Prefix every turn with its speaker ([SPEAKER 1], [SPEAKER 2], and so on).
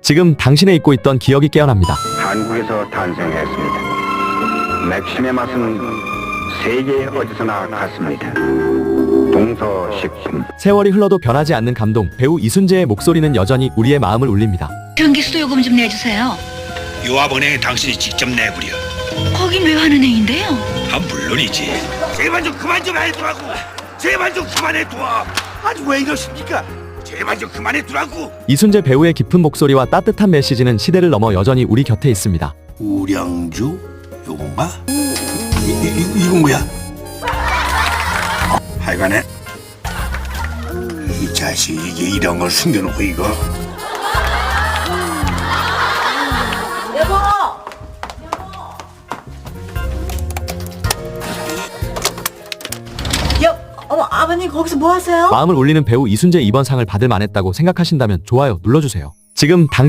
[SPEAKER 1] 지금 당신의 잊고 있던 기억이 깨어납니다.
[SPEAKER 2] 한국에서 탄생했습니다. 맥심의 맛은 세계 어디서나 같습니다. 동서식품.
[SPEAKER 1] 세월이 흘러도 변하지 않는 감동. 배우 이순재의 목소리는 여전히 우리의 마음을 울립니다.
[SPEAKER 3] 전기 수도요금 좀 내주세요.
[SPEAKER 4] 요합은행에 당신이 직접 내부려.
[SPEAKER 3] 거긴 왜 하는 행인데요?
[SPEAKER 4] 물론이지. 제발 좀 그만 좀 해두라고. 제발 좀 그만해 둬. 아니 왜 이러십니까? 제발 좀 그만해 두라고.
[SPEAKER 1] 이순재 배우의 깊은 목소리와 따뜻한 메시지는 시대를 넘어 여전히 우리 곁에 있습니다.
[SPEAKER 4] 우량주 요건가? 이건 뭐야? 하여간에 이 자식이 이게 이런 걸 숨겨놓고 이거.
[SPEAKER 5] 어머, 아버님 거기서 뭐 하세요?
[SPEAKER 1] 마음을 울리는 배우 이순재 이번 상을 받을 만했다고 생각하신다면 좋아요 눌러주세요. 지금